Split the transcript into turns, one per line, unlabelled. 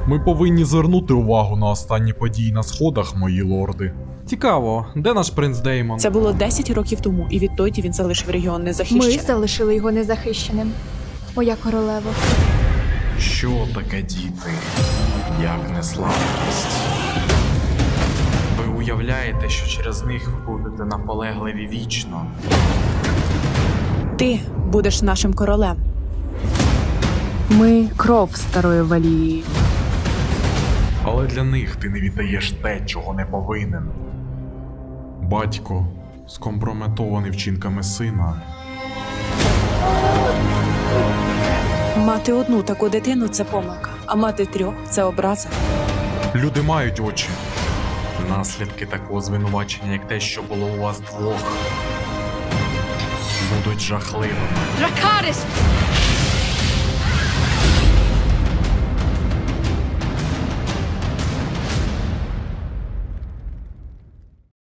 Ми повинні звернути увагу на останні події на сходах, мої лорди. Цікаво, де наш принц Деймон?
Це було 10 років тому, і відтоді він залишив регіон незахищеним.
Ми залишили його незахищеним. Моя королево.
Що таке діти? Як не слабкість? Ви уявляєте, що через них ви будете наполегливі вічно?
Ти будеш нашим королем.
Ми кров старої Валії.
Але для них ти не віддаєш те, чого не повинен. Батько, скомпрометований вчинками сина.
Мати одну таку дитину – це помилка, а мати 3 – це образа.
Люди мають очі. Наслідки такого звинувачення, як те, що було у вас двох, будуть жахливими.
Дракарис!